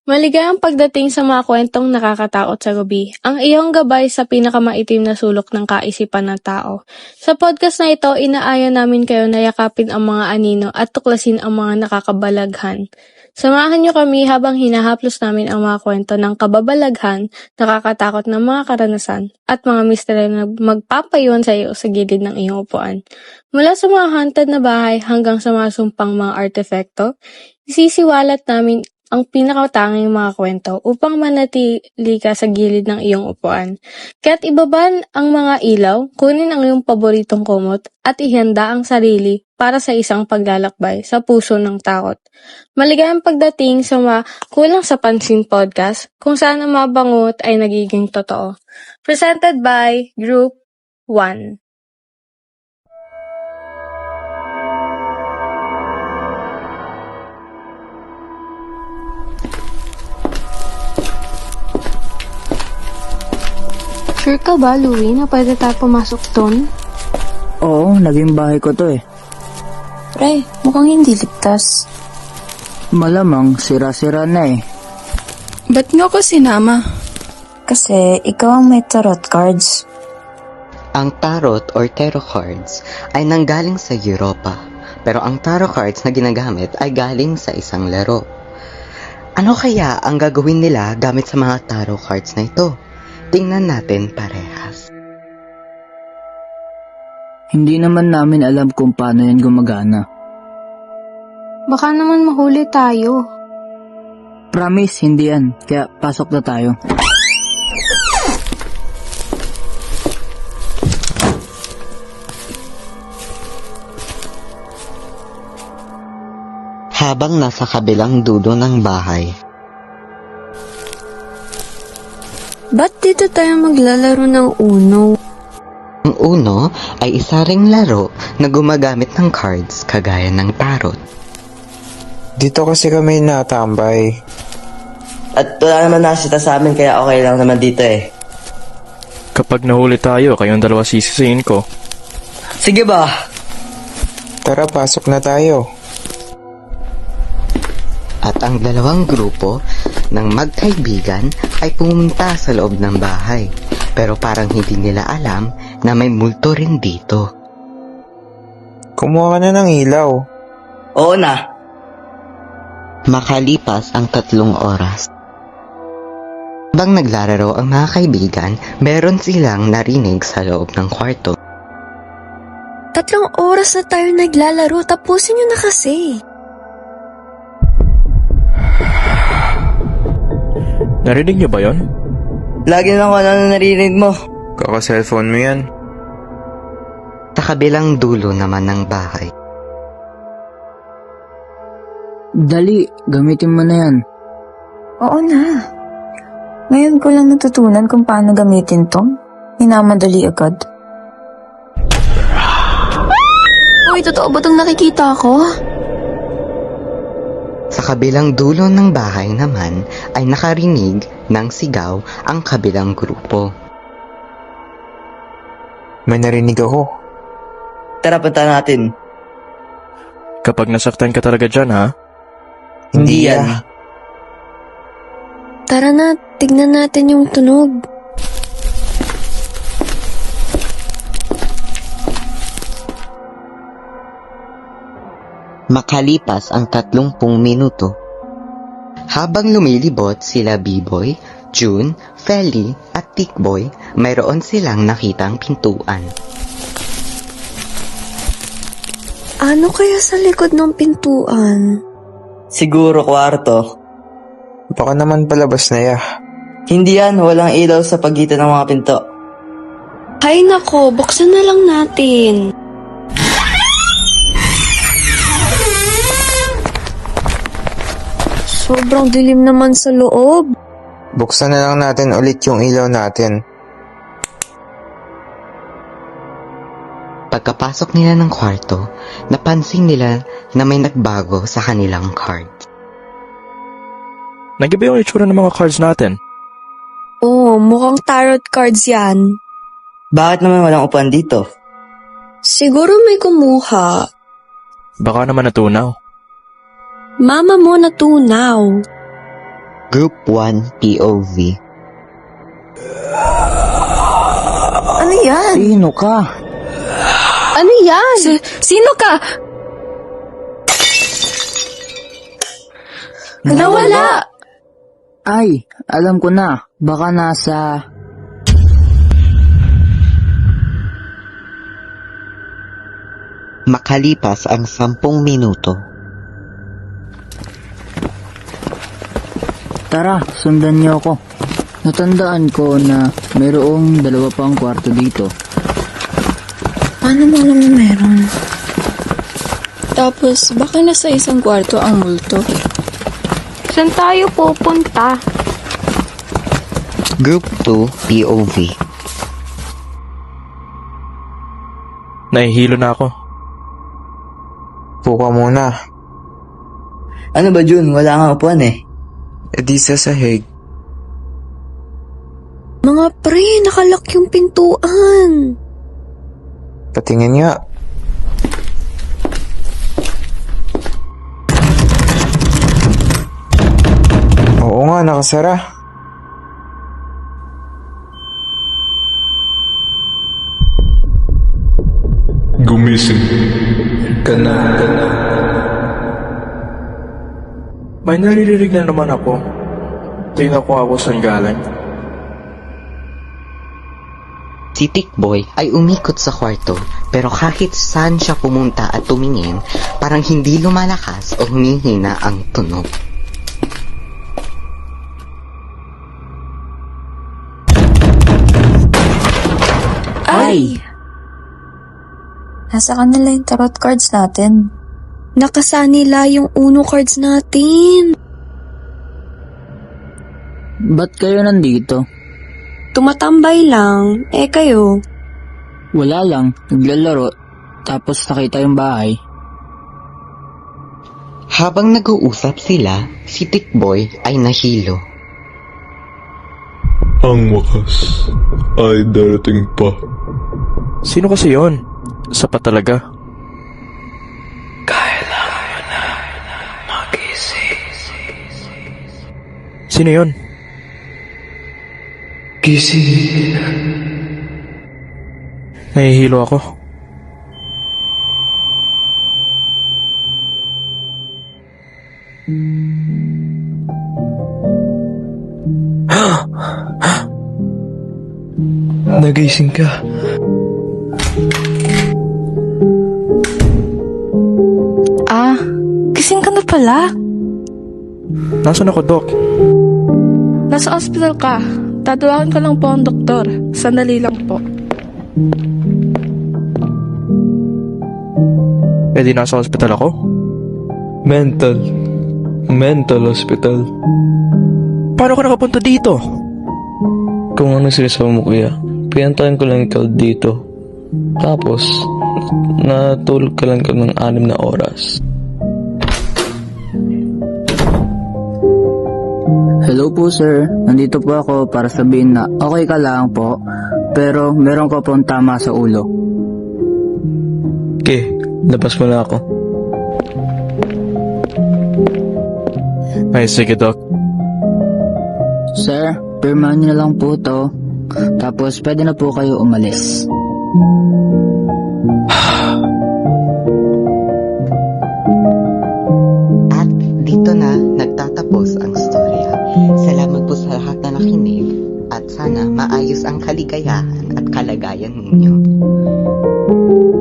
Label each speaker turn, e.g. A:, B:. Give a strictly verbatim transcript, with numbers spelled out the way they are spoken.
A: Maligayang pagdating sa mga kwentong nakakatakot sa gabi, ang iyong gabay sa pinakamaitim na sulok ng kaisipan ng tao. Sa podcast na ito, inaaya namin kayo na yakapin ang mga anino at tuklasin ang mga nakakabalaghan. Samahan niyo kami habang hinahaplos namin ang mga kwento ng kababalaghan, nakakatakot na mga karanasan, at mga misteryo na magpapayuan sa iyo sa gilid ng iyong upuan. Mula sa mga haunted na bahay hanggang sa mga sumpang mga artefakto, isisiwalat namin ang pinakatanging mga kwento upang manatili ka sa gilid ng iyong upuan. Kaya't ibaban ang mga ilaw, kunin ang iyong paboritong kumot at ihanda ang sarili para sa isang paglalakbay sa puso ng takot. Maligayang pagdating sa mga Kulang sa Pansin podcast kung saan ang mga bangot ay nagiging totoo. Presented by Group one. Sure ka ba, Louie, na pwede tayo pumasok doon?
B: Oo, naging bahay ko to eh.
C: Pre, mukhang hindi ligtas.
B: Malamang sira-sira na eh.
D: Ba't nga ko sinama?
C: Kasi ikaw ang may tarot cards.
E: Ang tarot or tarot cards ay nanggaling sa Europa, pero ang tarot cards na ginagamit ay galing sa isang laro. Ano kaya ang gagawin nila gamit sa mga tarot cards na ito? Tingnan natin parehas.
B: Hindi naman namin alam kung paano yan gumagana.
A: Baka naman mahuli tayo.
B: Promise, hindi yan. Kaya pasok na tayo.
E: Habang nasa kabilang dulo ng bahay,
C: Ba't dito tayo maglalaro ng Uno?
E: ang Uno ay isa ring laro na gumagamit ng cards kagaya ng tarot.
F: Dito kasi kami natambay.
G: At wala naman nasita sa amin kaya okay lang naman dito eh.
H: Kapag nahuli tayo, kayong dalawa sisisihin ko.
G: Sige ba?
F: Tara, pasok na tayo.
E: At ang dalawang grupo ng magkaibigan ay pumunta sa loob ng bahay. Pero parang hindi nila alam na may multo rin dito.
F: Kumuha ka na ng ilaw.
G: Oo na.
E: Makalipas ang tatlong oras. Habang naglalaro ang mga kaibigan, meron silang narinig sa loob ng kwarto.
C: Tatlong oras na tayo naglalaro, tapusin nyo na kasi.
H: Narinig niyo ba yon?
G: Lagi lang ako na narinig mo.
F: Kaka-cellphone mo yan.
E: Sa kabilang dulo naman ng bahay.
B: Dali, gamitin mo na yan.
C: Oo na. Ngayon ko lang natutunan kung paano gamitin to. Minamadali agad. Uy, totoo ba itong nakikita ko?
E: Sa kabilang dulo ng bahay naman ay nakarinig ng sigaw ang kabilang grupo.
F: May narinig ako.
G: Tara, punta natin.
H: Kapag nasaktan ka talaga dyan, ha?
G: Hindi yan.
F: ah.
C: Tara na, tignan natin yung tunog.
E: Makalipas ang tatlumpung minuto. Habang lumilibot sila B-Boy, June, Feli at Tikboy, mayroon silang nakitang pintuan.
C: Ano kaya sa likod ng pintuan?
G: Siguro kwarto.
F: Baka naman palabas na ya.
G: Hindi yan, walang ilaw sa pagitan ng mga pinto.
C: Hay nako, buksan na lang natin. Sobrang dilim naman sa loob.
F: Buksan na lang natin ulit yung ilaw natin.
E: Pagkapasok nila ng kwarto, napansin nila na may nagbago sa kanilang card.
H: Nagiba yung itsura ng mga cards natin.
C: Oo, mukhang tarot cards yan.
G: Bakit naman walang upuan dito?
C: Siguro may kumuha.
H: Baka naman natunaw.
C: Mama mo natunaw.
E: Group one P O V.
C: Ano yan?
B: Sino ka?
A: Ano yan?
D: Si- sino ka?
A: Nawala!
B: Ay, alam ko na. Baka nasa...
E: Makalipas ang sampung minuto.
B: Tara, sundan niyo ako. Natandaan ko na mayroong dalawa pang kwarto dito.
C: Paano mo alam na meron?
D: Tapos, baka nasa isang kwarto ang multo.
A: Saan tayo pupunta?
E: Group two P O V.
H: Nahihilo na ako.
F: Puka muna.
G: Ano ba, Jun? Wala nga upuan eh.
F: E di sa sahig.
C: Mga pre, nakalak yung pintuan.
F: Patingin nga. Oo nga, nakasara.
I: Gumising ka na.
H: May naririnig na naman ako. Tingnan ko ako saan galing.
E: Si Tikboy ay umikot sa kwarto, pero kahit saan siya pumunta at tumingin, parang hindi lumalakas o humihina ang tunog.
C: Ay! Nasa kanila yung tarot cards natin.
D: Nakasa nila yung uno cards natin.
B: Ba't kayo nandito?
D: Tumatambay lang. Eh kayo?
B: Wala lang, naglalaro. Tapos nakita yung bahay.
E: Habang nag-uusap sila, si Tikboy ay nahilo.
I: Ang wakas ay darating pa.
H: Sino kasi yon? Sapat talaga. Sino yon?
I: Gising.
H: Nahihilo ako.
F: Nagising ka.
D: Ah, gising ka na pala.
H: Nasaan ako, Doc?
A: Nasa ospital ka. Tatawagan ko lang po ang doktor. Sandali lang po.
H: Eh di nasa hospital ako?
I: Mental. Mental hospital.
H: Paano ka nakapunta dito?
J: Kung ano sinasabi mo, kuya, pinantayan ko lang ikaw dito. Tapos, natulog ka lang ka ng anim na oras.
B: Hello po sir, nandito po ako para sabihin na okay ka lang po, pero meron ka pong tama sa ulo.
J: Okay, labas mo na ako.
H: Ay, sige, Doc.
B: Sir, pirmahan niyo na lang po to, tapos pwede na po kayo umalis.
E: At dito na nagtatapos ang storya. Salamat po sa lahat na nakinig at sana maayos ang kaligayahan at kalagayan ninyo.